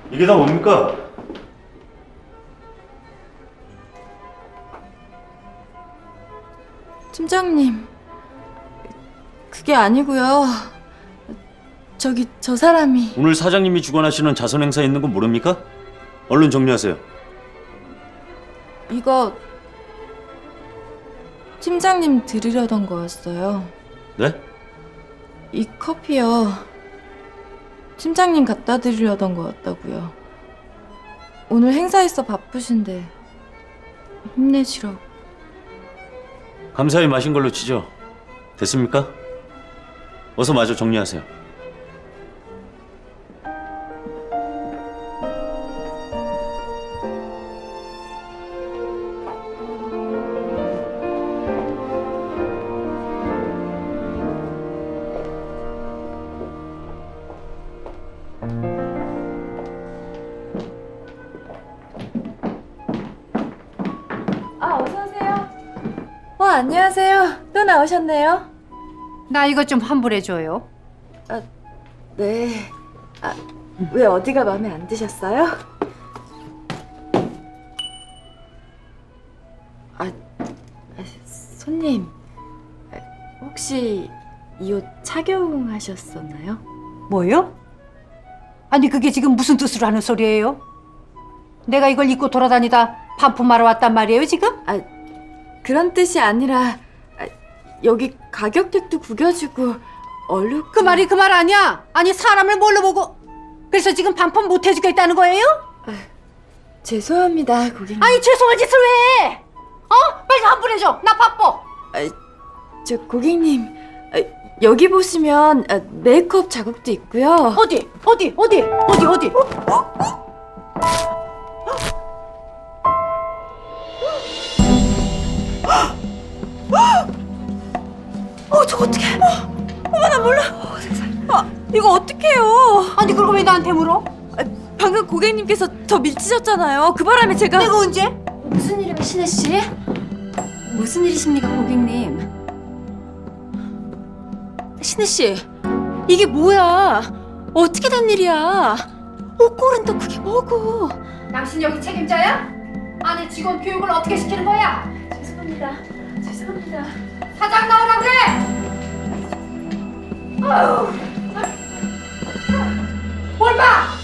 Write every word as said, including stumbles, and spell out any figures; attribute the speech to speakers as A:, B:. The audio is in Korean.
A: 이게 다 뭡니까?
B: 팀장님, 그게 아니고요. 저기 저 사람이
A: 오늘 사장님이 주관하시는 자선 행사에 있는 건 모릅니까? 얼른 정리하세요.
B: 이거 팀장님 드리려던 거였어요.
A: 네?
B: 이 커피요. 팀장님 갖다 드리려던 거였다고요. 오늘 행사 있어 바쁘신데 힘내시라고.
A: 감사히 마신 걸로 치죠. 됐습니까? 어서 마저 정리하세요.
B: 아, 어서 오세요. 어, 안녕하세요. 또 나오셨네요.
C: 나 이것 좀 환불해줘요.
B: 아, 네. 아, 왜 어디가 마음에 안 드셨어요? 아, 아, 손님. 아, 혹시 이 옷 착용하셨었나요?
C: 뭐요? 아니 그게 지금 무슨 뜻으로 하는 소리예요? 내가 이걸 입고 돌아다니다 반품하러 왔단 말이에요 지금?
B: 아, 그런 뜻이 아니라 아, 여기 가격택도 구겨주고 얼룩
C: 그 말이 그 말 아니야. 아니 사람을 뭘로 보고 그래서 지금 반품 못 해주겠다는 거예요?
B: 죄송합니다, 고객님.
C: 아니 죄송한 짓을 왜 해? 어? 빨리 환불해줘. 나 바빠.
B: 아, 저 고객님, 아, 여기 보시면 아, 메이크업 자국도 있고요.
C: 어디? 어디? 어디? 어디? 어디?
B: 어, 저 어떡해? 어머, 나 몰라. 어, 세상에. 아, 이거 어떡해요?
C: 아니 그걸 왜 나한테 물어?
B: 아, 방금 고객님께서 저 밀치셨잖아요. 그 바람에 제가...
C: 내가 언제?
D: 무슨 일이에요, 신혜 씨? 무슨 일이십니까, 고객님? 신혜 씨, 이게 뭐야? 어떻게 된 일이야? 옷 고른다 그게 뭐고?
C: 당신 여기 책임자야? 아니 직원 교육을 어떻게 시키는 거야?
D: 죄송합니다. 죄송합니다.
C: 사장 나오라 그래! 아유.